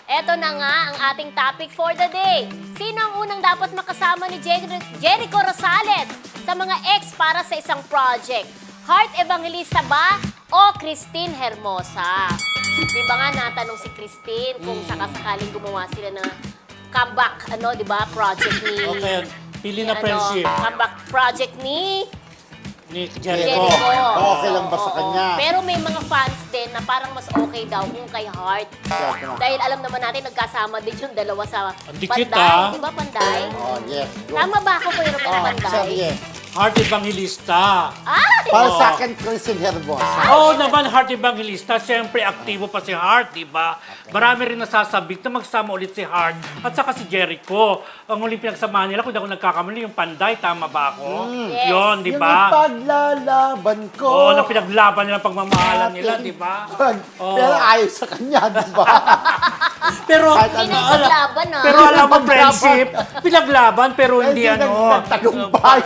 Eto na nga ang ating topic for the day. Sino ang unang dapat makasama ni Jericho Rosales sa mga ex para sa isang project? Heart Evangelista ba o Christine Hermosa? Di ba nga natanong si Christine kung sakasakaling gumawa sila ng comeback, di ba, project ni... Okay, pili na friendship. Comeback project ni Jericho. Okay lang ba sa kanya? Pero may mga fans din na parang mas okay daw kung kay Heart. Dahil alam naman natin, nagkasama din yung dalawa sa Ang dikit, Panday. Di ba, Panday? Oh, yes. Tama ba ako, Kuya Romel, Panday? Serye. Heart Evangelista. Para sa akin, Christine Hermosa. Oo naman, Heart Evangelista. Siyempre, aktibo pa si Heart, di ba? Marami rin nasasabik na magsama ulit si Heart at saka si Jericho. Ang huling pinagsamahan nila, kung di ako nagkakamali, yung Panday, tama ba ako? Yes. Yun, di Yung ba? ipaglalaban ko. Oo, na pinaglaban nila, pagmamahalan nila, di ba? Oo. Pero ayaw sa kanya, di ba? Pero, Hindi na ipaglaban, pero alam mo, friendship, pinaglaban, pero hindi nagtagumpay.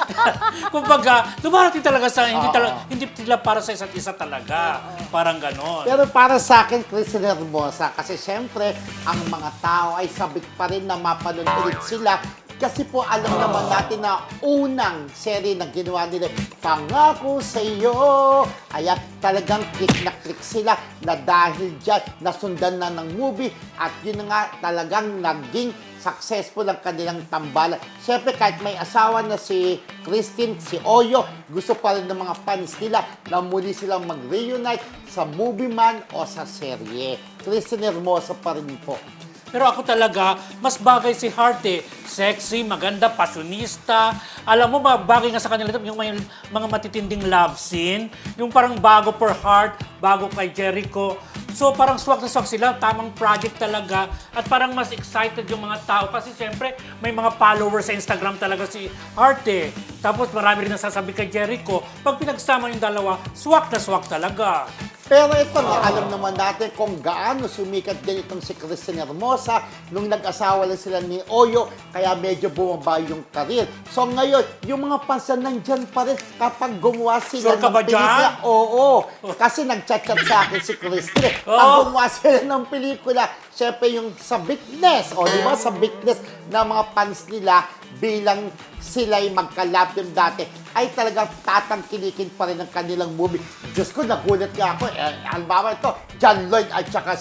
Kumbaga, dumarating talaga sa, hindi sila para sa isa't isa talaga. Parang ganon. Pero para sa akin, Christine Hermosa, kasi syempre, ang mga tao ay sabik pa rin na mapanood ulit sila. Kasi po, alam naman natin na unang serie na ginawa nila, Pangako sa iyo. Kaya talagang click na click sila na dahil dyan, nasundan na ng movie at yun na nga talagang naging successful ang kanilang tambalan. Siyempre, kahit may asawa na si Christine, si Oyo, gusto pa rin ng mga fans nila na muli silang mag-reunite sa movie man o sa serye. Christine Hermosa pa rin po. Pero ako talaga, mas bagay si Heart eh. Sexy, maganda, passionista. Alam mo ba, bagay nga sa kanila yung mga matitinding love scene. Yung parang bago for Heart, bago kay Jericho. So parang swak na swak sila, tamang project talaga. At parang mas excited yung mga tao. Kasi siyempre, may mga followers sa Instagram talaga si Heart eh. Tapos marami rin nasasabi kay Jericho. Pag pinagsama yung dalawa, swak na swak talaga. Pero ito nga, alam naman natin kung gaano sumikat din itong si Christine Hermosa nung nag-asawa lang sila ni Oyo, kaya medyo bumaba yung karir. So ngayon, yung mga fans na nandyan pa rin kapag gumawa sila Sure ka ba dyan? Oo, kasi nag-chat-chat sa akin si Christine. Pag gumawa sila ng pelikula, syempre yung sa bigness, di ba, sa bigness ng mga fans nila bilang sila'y magkalab din dati, ay talagang tatangkilikin pa rin ang kanilang movie. Diyos ko, nagulat nga ako. Halimbawa ito, John Lloyd at saka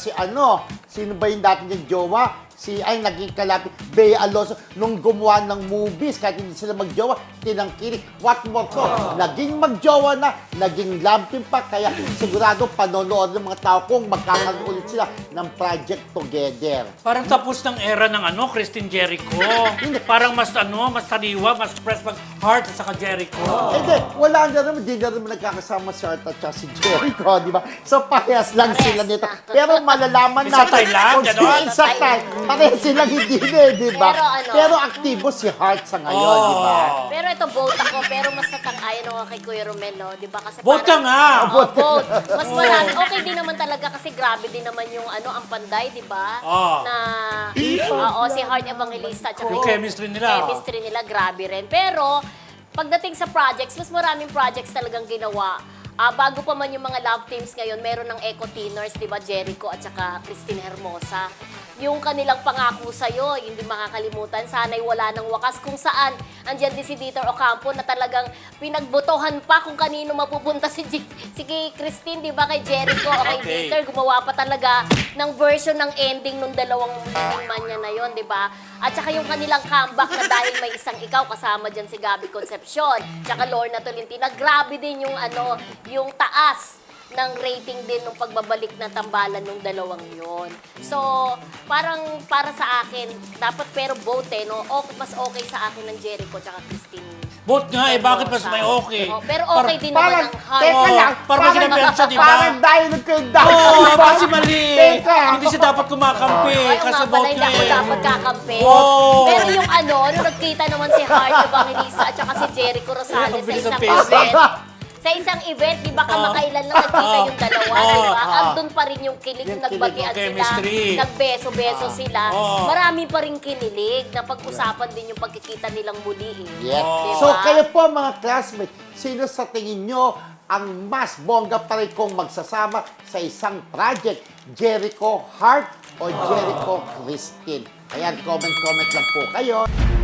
sino ba yung dati niyang jowa? Naging kalapit, Bea Alonso, nung gumawa ng movies, kahit hindi sila magjowa, tinangkilik. What more ko? Naging magjowa na, naging love team pa, kaya sigurado panonood ng mga tao kung magkakaroon ulit sila ng project together. Parang tapos ng era ng Christine Jericho. Parang mas sariwa, mas fresh pag Heart at saka Jericho. Hindi, wala na naman, di na naman nagkakasama si Art at si Jericho, di ba? So, parehas lang sila nito. Pero malalaman Isa natin Thailand, gano'n? Isa Thailand. Parehas silang hindi di ba? Pero aktibo si Heart sa ngayon, di ba? Pero ito, vote ako. Pero mas natang-ayon ako kay Kuya Romel, di ba? Kasi Vote ka nga! Vote. Mas marami. Okay din naman talaga kasi grabe din naman yung ang Panday, di ba? Na, si Heart Evangelista. Tsaka Yung chemistry nila. Chemistry nila, grabe rin. Pero, pagdating sa projects, mas maraming projects talagang ginawa. Bago pa man yung mga love teams ngayon, meron ng Eco Teeners, di ba, Jericho at saka Christine Hermosa. Yung kanilang pangako sa'yo, hindi makakalimutan, sana'y wala ng wakas kung saan andyan din si Dieter Ocampo na talagang pinagbotohan pa kung kanino mapupunta si Christine, di ba, kay Jericho o kay Dieter. Gumawa pa talaga ng version ng ending nung dalawang leading man niya na yon, di ba? At saka yung kanilang comeback na dahil may isang ikaw, kasama dyan si Gabby Concepcion, tsaka Lorna Tolentino, grabe din yung yung taas ng rating din ng pagbabalik na tambalan ng dalawang yon. So, parang para sa akin, dapat pero vote mas okay sa akin ng Jericho tsaka Christine. Vote nga bakit mas may okay? Pero okay din naman ang Heart. Teka lang, parang kinapensya, di ba? Parang dahil Kasi mali. Hindi siya dapat kumakampi. Kasi vote Hindi niya ako eh. dapat kakampi. Pero yung nung nagkita naman si Heart Evangelista at saka si Jericho Rosales sa isang event, sa isang event, di ba kamakailan lang nagkita yung dalawa, di ba? Andun pa rin yung kilig, yung nagbatian sila, chemistry. nagbeso-beso sila. Marami pa rin kinilig na pag-usapan din yung pagkikita nilang muli. Yeah. Diba? So, kayo po mga classmates, sino sa tingin nyo ang mas bongga pa rin kung magsasama sa isang project? Jericho, Heart, o Jericho Christine. Ayan, comment lang po kayo.